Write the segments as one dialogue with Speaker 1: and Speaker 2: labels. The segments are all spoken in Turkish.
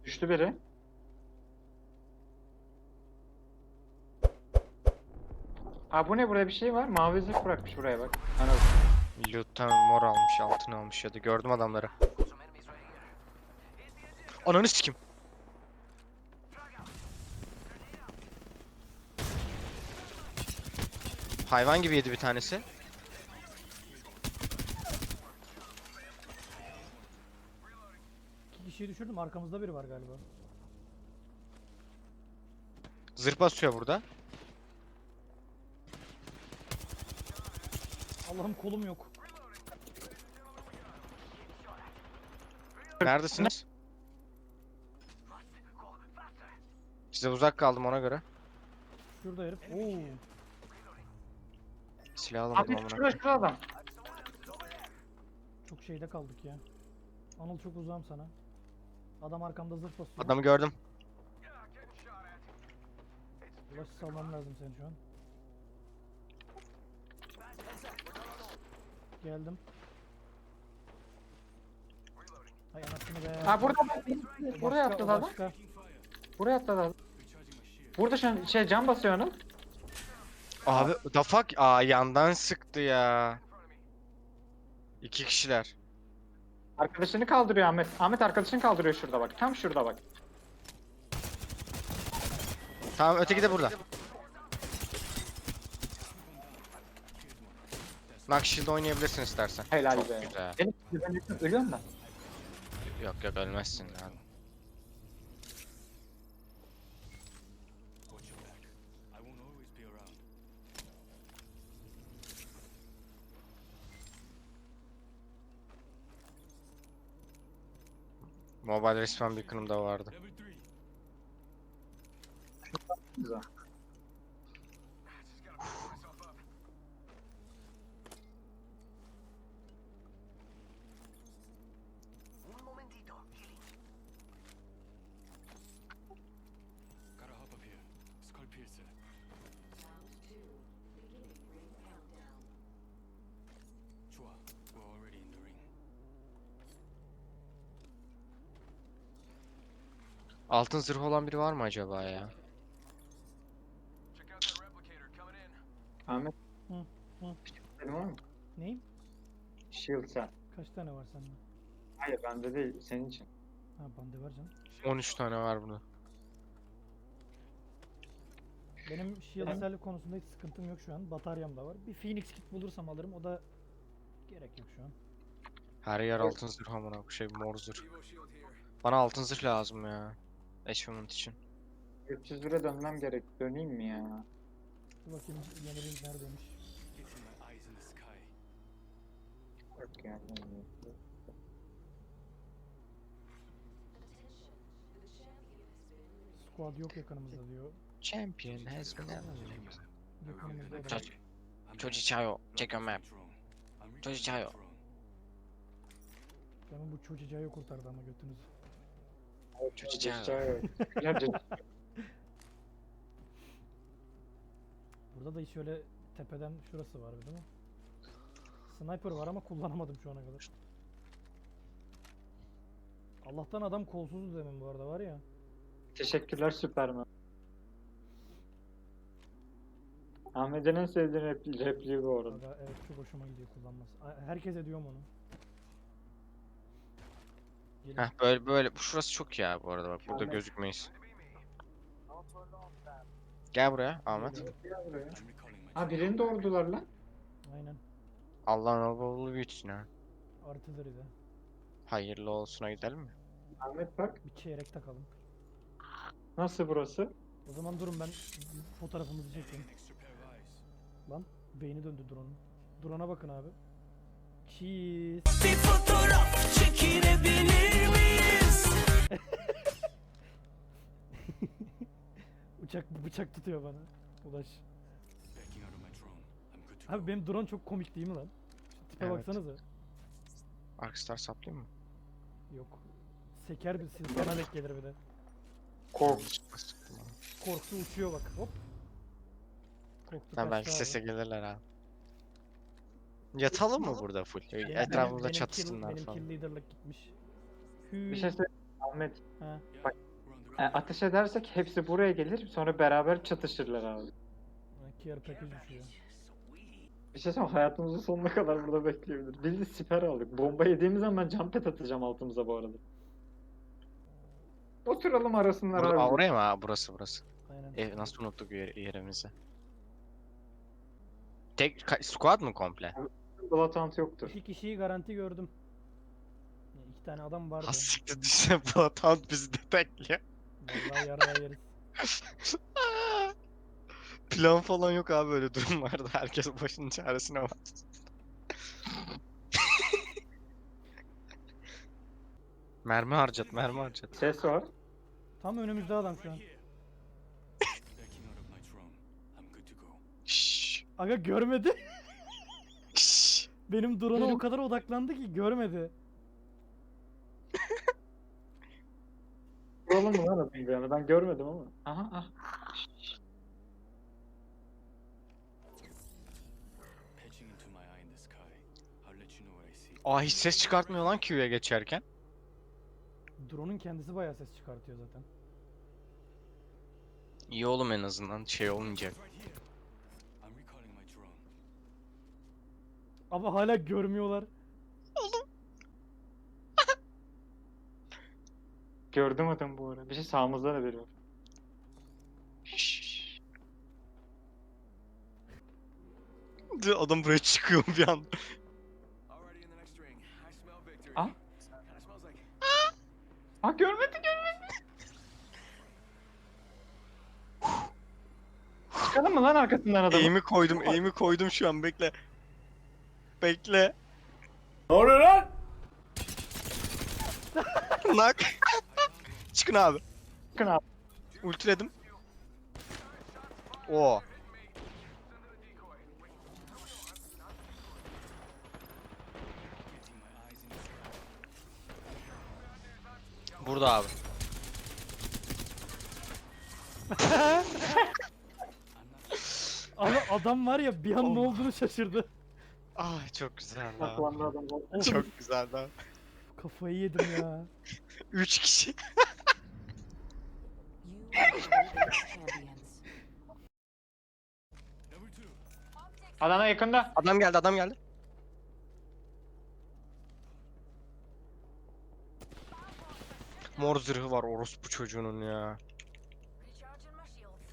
Speaker 1: Düştü biri. Aa bu ne, burada bir şey var. Mavi zırh bırakmış buraya bak. Ana.
Speaker 2: Loot'tan mor almış, altın almış ya da gördüm adamları. Ananı sikim. Hayvan gibi yedi bir tanesi.
Speaker 3: İki kişiyi düşürdüm. Arkamızda biri var galiba.
Speaker 2: Zırh basıyor burada.
Speaker 3: Allah'ım kolum yok.
Speaker 2: Neredesiniz? Size uzak kaldım ona göre.
Speaker 3: Şurada herif. Oo.
Speaker 2: Silah alamadım
Speaker 1: Abi
Speaker 2: amına.
Speaker 1: şurada adam.
Speaker 3: Çok şeyde kaldık ya. Anıl çok uzağım sana. Adam arkamda zırh basıyor.
Speaker 2: Adamı gördüm.
Speaker 3: Ulaş salmam lazım seni şu an. Geldim. Hay anasını be.
Speaker 1: Ha burada bak. Buraya
Speaker 3: Başka,
Speaker 1: atladı adam.
Speaker 3: başka.
Speaker 1: Buraya atladı adam. Burada şu an cam basıyor onu.
Speaker 2: Abi the fuck? Aa yandan sıktı ya. İki kişiler.
Speaker 1: Arkadaşını kaldırıyor Ahmet. Ahmet arkadaşını kaldırıyor şurada bak. Tam şurada bak.
Speaker 2: Tamam öteki de burada. Nakşil'de oynayabilirsin istersen.
Speaker 1: Helal
Speaker 2: Çok
Speaker 1: be.
Speaker 2: güzel.
Speaker 1: Ben ölüyorum da.
Speaker 2: Yok yok ölmezsin yani.
Speaker 4: Watch your back. I won't always be around.
Speaker 2: Mobile resmen Beacon'ımda vardı.
Speaker 4: Level 3.
Speaker 1: Güzel.
Speaker 4: Gotta hop up here. Skull piercer. Chua, we're already in the ring.
Speaker 2: Altın zırh olan biri var mı acaba ya?
Speaker 1: Ahmet.
Speaker 3: Hı, hı.
Speaker 1: Senin var mı?
Speaker 3: Neyim?
Speaker 1: Shield sen.
Speaker 3: Kaç tane var sende?
Speaker 1: Hayır bende değil, senin için.
Speaker 3: Ha bende var canım.
Speaker 2: 13 tane var burada.
Speaker 3: Benim shield cell konusunda hiç sıkıntım yok şu an. Bataryam da var. Bir Phoenix kit bulursam alırım. O da gerek yok şu an.
Speaker 2: Her yer altın zırh amına bu şey mor zırh. Bana altın zırh lazım ya. Achievement için.
Speaker 1: 301'e dönmem gerek. Döneyim mi ya?
Speaker 3: Dur bakayım yeni ring neredeymiş.
Speaker 4: Fixing my eyes in the sky.
Speaker 1: Yok ya.
Speaker 3: Squad yok yakınımızda diyor.
Speaker 2: Champion has been
Speaker 3: Yakınımızda da.
Speaker 2: Touch.
Speaker 4: I'm
Speaker 2: Çoji
Speaker 4: back.
Speaker 2: Chayo, check your
Speaker 4: Welcome
Speaker 2: map.
Speaker 4: to the throne. I'm
Speaker 2: Çoji
Speaker 4: returning
Speaker 2: Chayo.
Speaker 4: to the throne.
Speaker 3: Demin bu çocuğu kurtardı ama götünüzü.
Speaker 2: Çocuk
Speaker 3: Burada da hiç öyle tepeden şurası var değil mi? Sniper var ama kullanamadım şu ana kadar. Allah'tan adam kolsuzdu demin bu arada var ya.
Speaker 1: Teşekkürler Süperman. Ahmet'in en sevdiği repliği bu arada.
Speaker 3: Aga, evet çok hoşuma gidiyor kullanması. Herkes ediyorum onu. Gelin.
Speaker 2: Heh böyle böyle. Bu şurası çok ya bu arada bak burada
Speaker 1: Ahmet.
Speaker 2: gözükmeyiz. Gel buraya Ahmet.
Speaker 3: Geliyorum.
Speaker 4: I'm recalling my
Speaker 1: Ha birini doğurdular lan.
Speaker 3: Aynen.
Speaker 2: Allah'ın oğlu büyütsün ha.
Speaker 3: Artilleri'de.
Speaker 2: Hayırlı olsuna gidelim mi?
Speaker 1: Ahmet bak.
Speaker 3: Bir çeyrek takalım.
Speaker 1: Nasıl burası?
Speaker 3: O zaman durun ben fotoğrafımızı çekeyim.
Speaker 4: extra pair of eyes.
Speaker 3: Lan beyni döndü drone'un. Drone'a bakın abi. Cheese.
Speaker 5: Bir fotoğraf çekinebilir miyiz?
Speaker 3: Bıçak tutuyor bana. Ulaş.
Speaker 4: Backing out of my throne. I'm good to go.
Speaker 3: Abi benim drone çok komik değil mi lan? Şu tipe
Speaker 2: Evet.
Speaker 3: baksanıza.
Speaker 2: Arkstar saplayayım mı?
Speaker 3: Yok. Seker bir silsana denk gelir bir de.
Speaker 1: Kork.
Speaker 3: Korktu uçuyor bak hop. Korktu
Speaker 2: Sen belki
Speaker 3: kaçtı abi.
Speaker 2: sese gelirler ha. Yatalım mı burada full?
Speaker 3: Benim-
Speaker 2: Etrafımızda
Speaker 3: benim
Speaker 2: çatışsınlar
Speaker 3: benim
Speaker 2: falan.
Speaker 3: kill leader'lık gitmiş.
Speaker 1: Bir şey söyleyeyim. Ahmet.
Speaker 3: He.
Speaker 1: Bak.
Speaker 4: We're on the corner.
Speaker 1: Ateş edersek hepsi buraya gelir. Sonra beraber çatışırlar abi.
Speaker 3: Care package düşüyor.
Speaker 1: Bir şey söyleyeyim, hayatımızın sonuna kadar burada bekleyebilir. Biz de siper aldık. Bomba yediğimiz zaman ben jump pad atacağım altımıza bu arada. Oturalım arasınlar
Speaker 2: Burada,
Speaker 1: abi.
Speaker 2: oraya mı? Ha, burası.
Speaker 3: Aynen.
Speaker 2: Nasıl unuttuk yerimizi? Squad mı komple?
Speaker 1: Bloodhound yoktur.
Speaker 3: 2 kişiyi garanti gördüm. 2 tane adam vardı.
Speaker 2: Hassiktir düşse Bloodhound bizi de bekliyor.
Speaker 3: Vallahi yaraya yeriz.
Speaker 2: Plan falan yok abi öyle durumlarda. Herkes başının çaresine bak. mermi harcat.
Speaker 1: Ses var.
Speaker 3: Tam önümüzde adam şu an.
Speaker 4: Backing out of my drone. I'm good to go.
Speaker 2: Şşş.
Speaker 3: Aga görmedi.
Speaker 2: Şşş.
Speaker 3: Benim drone'a o kadar odaklandı ki görmedi.
Speaker 1: Vuralım mı lan adamı bir yana? Ben görmedim ama. Aha ah.
Speaker 4: Patching into my eye in the sky. I'll let you know what I see.
Speaker 2: Aa hiç ses çıkartmıyor lan Q'ya geçerken.
Speaker 3: Drone'un kendisi bayağı ses çıkartıyor zaten.
Speaker 2: İyi oğlum en azından şey olmayacak.
Speaker 4: Right here. I'm recalling my drone.
Speaker 3: Ama hala görmüyorlar.
Speaker 1: Gördüm adamı bu ara. Bir şey sağımızda da biri var.
Speaker 2: Şşş. Adam buraya çıkıyor bir anda.
Speaker 4: Already in the next ring. I smell victory.
Speaker 1: Ah.
Speaker 4: Kinda smells like.
Speaker 1: Ah görmedi. Çıkalım mı lan arkasından adamı?
Speaker 2: Eğimi koydum şu an bekle. Bekle.
Speaker 5: Ne oluyor lan?
Speaker 2: Nak. Çıkın abi.
Speaker 1: Çıkın abi.
Speaker 2: Ultiledim. Oo.
Speaker 4: Getting my eyes in the sky.
Speaker 2: Burada abi.
Speaker 3: Ama adam var ya bir an ne olduğunu şaşırdı.
Speaker 2: Ah çok güzel
Speaker 1: Saklandı
Speaker 2: lan.
Speaker 1: adam.
Speaker 2: Çok güzel lan.
Speaker 3: Kafayı yedim ya.
Speaker 2: 3 kişi.
Speaker 6: You are the champions.
Speaker 4: Number two.
Speaker 1: Adana yakında.
Speaker 2: Adam geldi. Mor zırhı var orospu çocuğunun ya.
Speaker 6: Recharging my shields.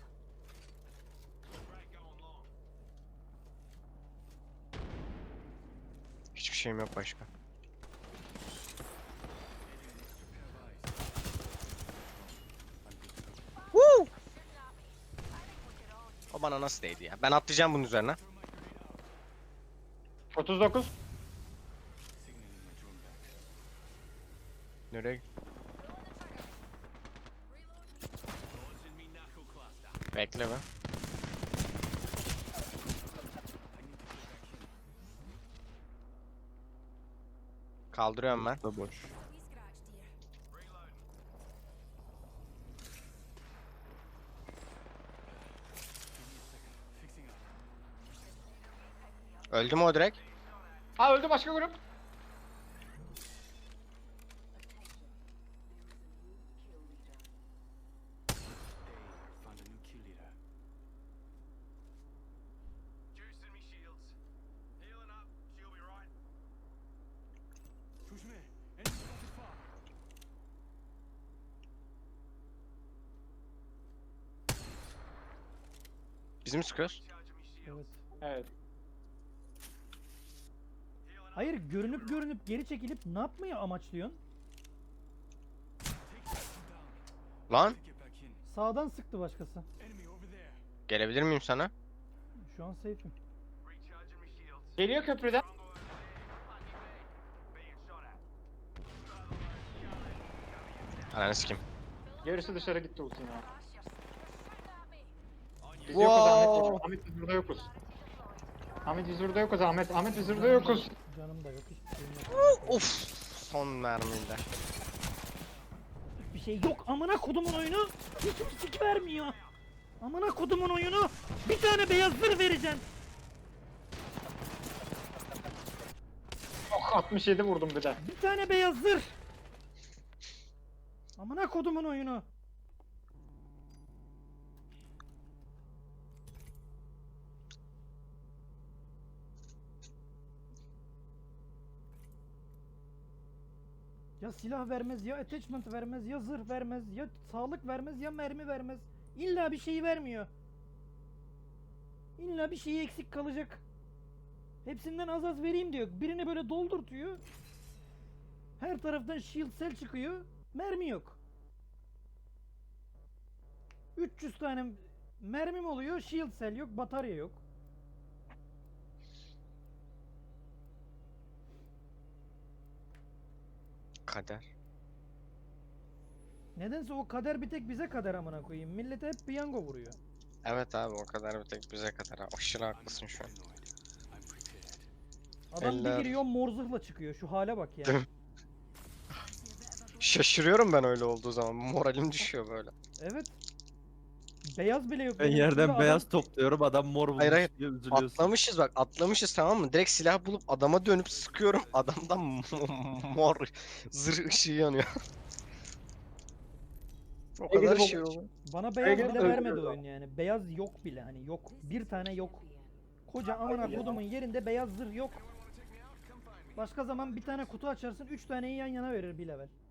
Speaker 2: Hiçbir şeyim yok başka. Woo! O bana nasıl değdi ya? Ben atlayacağım bunun üzerine.
Speaker 1: 39.
Speaker 4: Signaling my drone back.
Speaker 2: Nereye? Bekle be. Kaldırıyorum ben.
Speaker 6: We scratched here.
Speaker 4: Fixing up.
Speaker 2: Öldü mü o direkt?
Speaker 1: Ha öldü başka grup.
Speaker 4: Found a new kill leader.
Speaker 7: Juicing me shields. Healing up. She'll be right.
Speaker 4: Push me. Enemy spotted far.
Speaker 2: Bizim sıkıyoruz.
Speaker 7: Charging me shields.
Speaker 3: Evet.
Speaker 1: Evet.
Speaker 3: Hayır görünüp geri çekilip ne yapmayı amaçlıyorsun?
Speaker 2: Lan
Speaker 4: Get back in.
Speaker 3: Sağdan sıktı başkası.
Speaker 4: Enemy over there.
Speaker 2: gelebilir miyim sana?
Speaker 3: Şu an safe'im.
Speaker 7: Recharging me shields.
Speaker 1: Geliyor köprüden.
Speaker 7: Being shot at.
Speaker 2: Ananı sikeyim.
Speaker 1: Gerisi dışarı gitti ultin ya. Biz
Speaker 2: Wow.
Speaker 1: yokuz Ahmet. Ahmet biz burada yokuz. Ahmet biz burada yokuz Ahmet. Ahmet biz burada yokuz.
Speaker 3: Canım da yok hiçbir şeyim yok.
Speaker 2: Of. Son mermiyle.
Speaker 3: Bir şey yok amına kodumun oyunu. Hiçbir sik vermiyor. Amına kodumun oyunu. Bir tane beyaz zırh vereceğim.
Speaker 1: Oh, 67 vurdum bir de.
Speaker 3: Bir tane beyaz zırh. Amına kodumun oyunu. Ya silah vermez, ya attachment vermez, ya zırh vermez, ya sağlık vermez, ya mermi vermez. İlla bir şeyi vermiyor. İlla bir şeyi eksik kalacak. Hepsinden az az vereyim diyor. Birini böyle doldurtuyor. Her taraftan shield cell çıkıyor. Mermi yok. 300 tane mermim oluyor. Shield cell yok, batarya yok.
Speaker 2: Kader.
Speaker 3: Nedense o kader bir tek bize kader amına koyayım. Millete hep piyango vuruyor.
Speaker 2: Evet abi o kadar bir tek bize kadar. Ha, aşırı haklısın şu an.
Speaker 3: Adam bir
Speaker 2: Eller-
Speaker 3: giriyor mor zırhla çıkıyor. Şu hale bak ya.
Speaker 2: Değil mi? Şaşırıyorum ben öyle olduğu zaman. Moralim düşüyor böyle.
Speaker 3: Evet. Beyaz bile yok.
Speaker 8: Ben
Speaker 3: benim üstümde
Speaker 8: yerden
Speaker 3: adam-
Speaker 8: beyaz topluyorum, adam mor bulmuş
Speaker 2: Hayır, hayır.
Speaker 8: diye üzülüyorsun.
Speaker 2: Atlamışız bak, atlamışız tamam mı? Direkt silah bulup adama dönüp sıkıyorum. Adamdan mor zırh ışığı yanıyor. O kadar
Speaker 1: Egeli
Speaker 2: şey
Speaker 1: baba-
Speaker 2: oldu.
Speaker 3: Bana beyaz
Speaker 1: Beyaz
Speaker 3: bile
Speaker 1: öldürüyor
Speaker 3: vermedi
Speaker 1: adam.
Speaker 3: oyun yani. Beyaz yok bile hani yok. Bir tane yok. Koca amına kodumun yerinde beyaz zırh yok. Başka zaman bir tane kutu açarsın 3 taneyi yan yana verir bir level.